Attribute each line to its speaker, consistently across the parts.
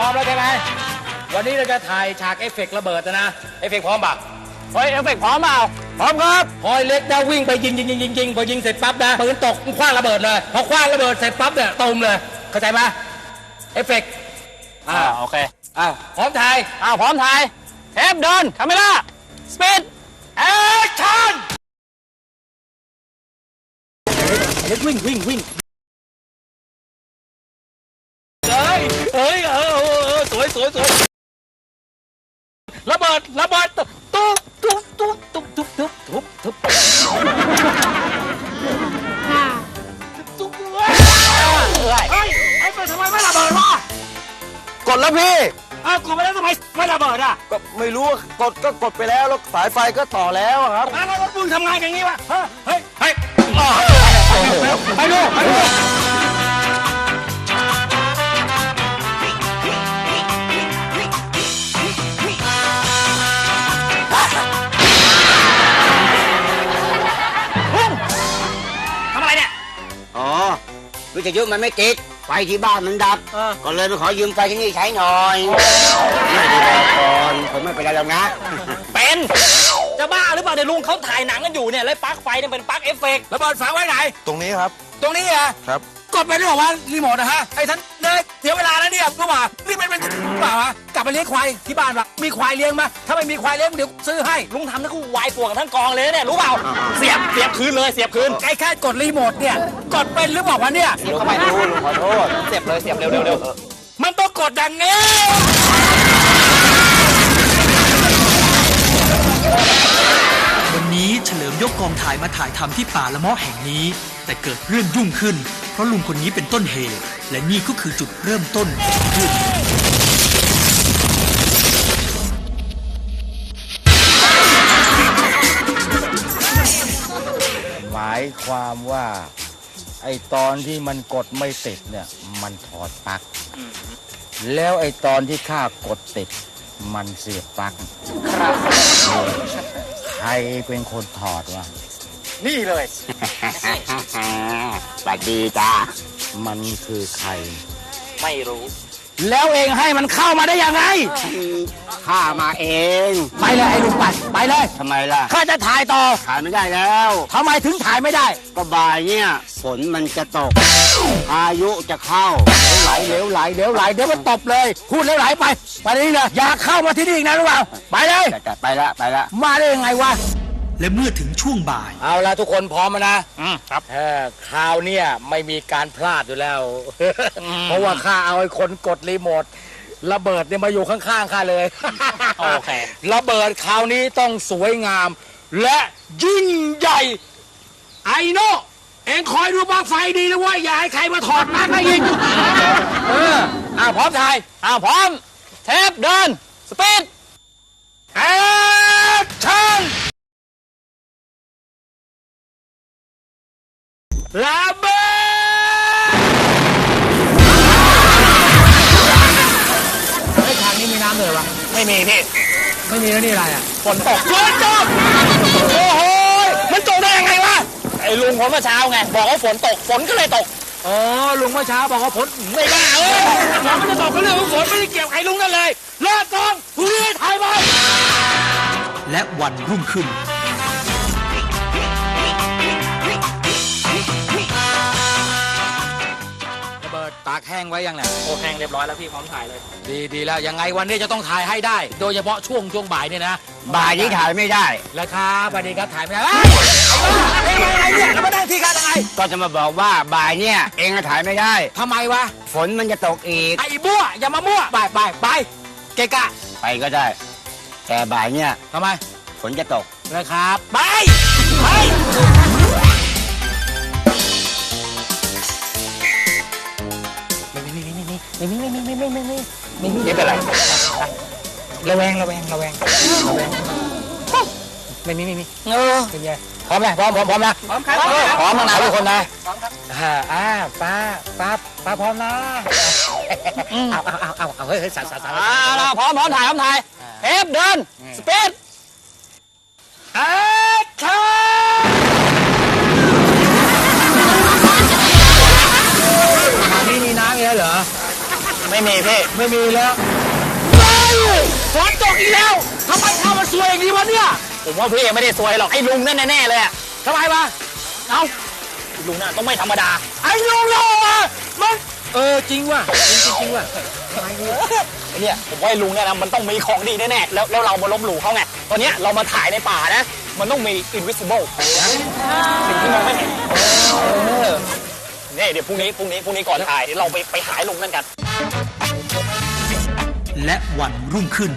Speaker 1: ร้อมแล้วใช่ไหมวันนี้เราจะถ่ายฉากเอฟเฟกต์ระเบิดนะเอฟเฟกต์พร้อมปะ
Speaker 2: เฮ้ยเอฟเฟกต์พร้อมเปล่า
Speaker 1: พร้อมครับพอยเล็กนะวิ่งไปยิงพอยิงเสร็จปั๊บนะปืนตกคว้างระเบิดเลยพอคว้างระเบิดเสร็จปั๊บเนี่ยตูมเลยเข้าใจไหมเอฟเฟกต์
Speaker 2: โอเค
Speaker 1: พร้อมถ่าย
Speaker 2: พร้อมถ่ายเทปเดินคาเมล่าสปีด
Speaker 1: แอคชั่นเล็กวิ่งเฮ้ยสวยระเบิดตุ๊บไอ้เปิดทำไมไม่ระเบิดวะ
Speaker 3: กดแล้วพี่
Speaker 1: กดไปแล้วทำไมไม่ระเบิด
Speaker 3: ก็ไม่รู้ก็กดไปแล้วสายไฟก็ต่อแล้วครับ
Speaker 1: แล้วรถมึงทำงานอย่างนี้วะเฮ้ยไปดู
Speaker 3: วิทยุมันไม่ติดไฟที่บ้านมันดับก็เลยไปขอยืมไฟที่นี่ใช้หน่อยไม่ได้บอกก่อนผมไม่เป็นไรแล้วนะ
Speaker 2: เป็นจะบ้าหรือเปล่าเดี๋ยวลุงเขาถ่ายหนังกันอยู่เนี่ยแล้วปลั๊กไฟเนี่ยเป็นปลั๊กเอฟเฟกต์
Speaker 1: ระเบิดฝังไว้ไหน
Speaker 3: ตรงนี้ครับ
Speaker 1: ตรงนี้
Speaker 3: ครับ
Speaker 1: กดไปได้บอกว่ารีโมทนะฮะไอ้ท่านเลยเสียเวลาแล้วเนี่ยก็ว่านี่เป็นเปล่าวะกลับไปเลี้ยงควายที่บ้านวะมีควายเลี้ยงมาถ้าไม่มีควายเลี้ยงเดี๋ยวซื้อให้
Speaker 2: ลุงทำนั่นก็วายป่วงทั้งกองเลยเนี่ยรู้เปล่าเสียบคืนเลยเสียบคืน
Speaker 1: ไอ้แค่กดรีโมทเนี่ยกดเป็นหรือบอกว่าเนี่ย
Speaker 2: เสียบเข้าไปลุงขอโทษเสียบเร็ว
Speaker 1: มันต้องกดอย่างนี้
Speaker 4: วันนี้เฉลิมยกกองถ่ายมาถ่ายทำที่ป่าละเมาะแห่งนี้แต่เกิดเรื่องยุ่งขึ้นเพราะลุงคนนี้เป็นต้นเหตุและนี่ก็คือจุดเริ่มต้นของเรื่อง
Speaker 1: หมายความว่าไอตอนที่มันกดไม่ติดเนี่ยมันถอดปลั๊กแล้วไอตอนที่ข้ากดติดมันเสียบปลั๊ก
Speaker 2: ครับ
Speaker 1: ใครเป็นคนถอดวะ
Speaker 2: นี่เลย
Speaker 3: สวัสดีจ้า
Speaker 1: มันคือใคร
Speaker 2: ไม่รู้
Speaker 1: แล้วเองให้มันเข้ามาได้ยังไง
Speaker 3: ข้ามาเอง
Speaker 1: ไปเลยไอ้ลุงปัดไปเลย
Speaker 3: ทำไมล่ะ
Speaker 1: ข้าจะถ่ายต่อ
Speaker 3: ถ่ายไม่ได้แล้ว
Speaker 1: ทำไมถึงถ่ายไม่ได้
Speaker 3: ก็บ่ายเนี่ยฝนมันจะตกพายุจะเข้า
Speaker 1: เหลวไหลเดี๋ยวมันตบเลยพูดเหลวไหลไปนี่เลยอย่าเข้ามาที่นี่อีกนะรู้เปล่าไปเลย
Speaker 3: ไปละ
Speaker 1: มาได้ยังไงวะ
Speaker 4: และเมื่อถึงช่วงบ่าย
Speaker 1: เอาละทุกคนพร้อมนะครับคราวนี้ไม่มีการพลาดอยู่แล้วเพราะว่าข้าเอาไอ้คนกดรีโมทระเบิดเนี่ยมาอยู่ข้างๆข้าเลย
Speaker 2: โอเค
Speaker 1: ระเบิดคราวนี้ต้องสวยงามและยิ่งใหญ่ไอ้โน่เอ็งคอยดูบ้างไฟดีนะว่าอย่าให้ใครมาถอดปลั๊กให้อีกพร้อมถ่าย
Speaker 2: พร้อมเทปเดินสปีด
Speaker 1: แอคชั่นระเบิดไอ้ทางนี้มีน้ำเลยวะ
Speaker 2: ไม่มีพี่
Speaker 1: ไม่มีแล้วนี่อะไร
Speaker 2: ฝนตก
Speaker 1: โอ้โหมันตกได้ยังไงวะ
Speaker 2: ไอ้ลุงผมเมื่อเช้าไงบอกว่าฝนตกฝนก็เลยตก
Speaker 1: ลุงเมื่อเช้าบอกว่าฝนไม่ได้ฝนไม่ได้ตกก็เรื่องของฝนไม่ได้เกี่ยวกับไอ้ลุงนั่นเลยเลิกกองพรุ่งนี้ถ่ายไป
Speaker 4: และวันรุ่งขึ้น
Speaker 1: ตากแห้งไว้ยังเนี่ย
Speaker 2: โอ้แห้งเรียบร้อยแล้วพี่พร้อมถ่ายเลย
Speaker 1: ดีแล้วยังไงวันนี้จะต้องถ่ายให้ได้โดยเฉพาะช่วงบ่ายเนี่ยนะ
Speaker 3: บ่ายนี้ถ่ายไม่ได้
Speaker 1: แล้วครับสวัสดีครับถ่ายไม่ได้อะไรเนี่ยแล้วมาได้ที่กันยังไง
Speaker 3: ก็จะมาบอกว่าบ่ายเนี่ยเองถ่ายไม่ได้
Speaker 1: ทำไมวะ
Speaker 3: ฝนมันจะตกอีก
Speaker 1: ไอ้บัวอย่ามามั่วไปเกะกะ
Speaker 3: ไปก็ได้แต่บ่ายเนี่ย
Speaker 1: ทำไม
Speaker 3: ฝนจะตก
Speaker 1: แล้วครับไป
Speaker 2: ไม่เป็นไร
Speaker 1: ระแวงไม่มีเป็นไงพร้อมนะพร้อมนะ
Speaker 2: พร้อมครับ
Speaker 1: พร้อมนะทุกคนนะป้าพร้อมนะเอาเฮ้ยสั่น
Speaker 2: พร้อมถ่ายเทปเดินสปีด
Speaker 1: แอคชั่นนี่มีน้ำเยอะเหรอ
Speaker 2: ไม่มีพี่
Speaker 1: ไม่มีแล้วเฮ้ยฝนตกอีกแล้วทำไมข้ามันสวยอย่างนี้วะเนี่ย
Speaker 2: ผมว่าพี่ไม่ได้ซวยหรอกไอ้ลุงนั่นแน่ๆเลยอะ
Speaker 1: ทำไมวะ
Speaker 2: เอ้าลุงน่ะต้องไม่ธรรมดา
Speaker 1: ไอ้ลุงเราอะมันจริงว่ะจริงว่ะ
Speaker 2: ไอ้เนี่ยผมว่าไอ้ลุงเนี่ยนะมันต้องมีของดีแน่ๆแล้วเรามาลบหลู่เขาไงตอนเนี้ยเรามาถ่ายในป่านะมันต้องมี invisible สิ่งที่มองไม่เห็นนี่เดี๋ยวพรุ่งนี้ก่อนถ่ายเดี๋ยวเราไปหาไอ้ลุงนั่นกัน
Speaker 4: และวันรุ่งขึ้น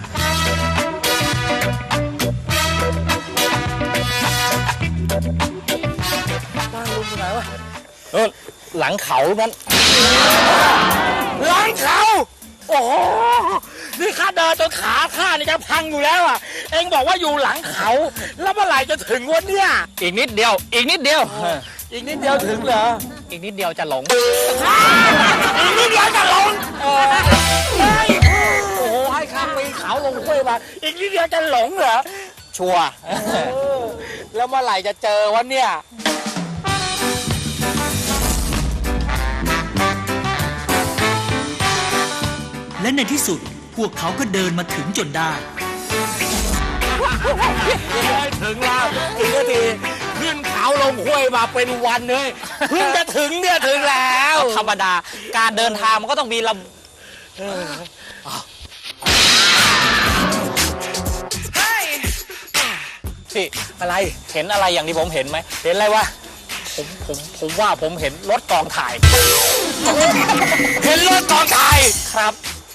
Speaker 2: หลังเขานั้น
Speaker 1: หลังเขาโอ้โหนี่ข้าเดินจนขาข้านี่จะพังอยู่แล้วอ่ะเอ็งบอกว่าอยู่หลังเขาแล้วเมื่อไหร่จะถึงวันเนี่ย
Speaker 2: อีกนิดเดียว
Speaker 1: อีกนิดเดียวถึงเหรอ
Speaker 2: อีกนิดเดียวจะหลง
Speaker 1: อีกนิดเดียวจะลงเฮ้ยโอ้โหให้ข้าปีนเขาลงห้วยมาอีกนิดเดียวจะหลงเหรอ
Speaker 2: ชัวร์
Speaker 1: แล้วเมื่อไหร่จะเจอวันเนี่ย
Speaker 4: และในที่สุดพวกเขาก็เดินมาถึงจนได้
Speaker 1: ถึงแล้วถึงทีขึ้นเขาลงห้วยมาเป็นวันเลยเพิ่งจะถึงเนี่ยถึงแล้ว
Speaker 2: ธรรมดาการเดินทางมันก็ต้องมีพี่
Speaker 1: อะไร
Speaker 2: เห็นอะไรอย่างที่ผมเห็นไหมเห็นอะไรวะผมว่าผมเห็นรถกองถ่าย
Speaker 1: เห็นรถกองถ่าย
Speaker 2: ครับ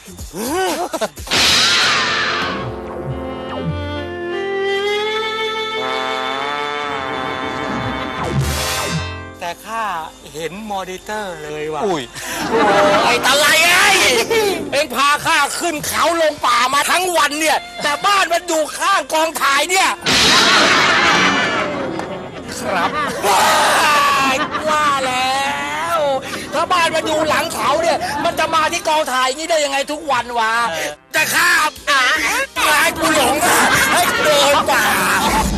Speaker 1: แต่ข้าเห็นมอนิเตอร์เลยว่ะ
Speaker 2: อุ้ย
Speaker 1: ไอ้ตะไลเอ็งพาข้าขึ้นเขาลงป่ามาทั้งวันเนี่ย แต่บ้านมันอยู่ข้างกองถ่ายเนี่ย
Speaker 2: ครับ
Speaker 1: ว่าแล้ว ถ้าบ้านมันอยู่หลังเขาเนี่ย มันจะมาที่กองถ่ายนี้ได้ยังไงทุกวันวะจะข้าให้กูหลงให้เดินป่า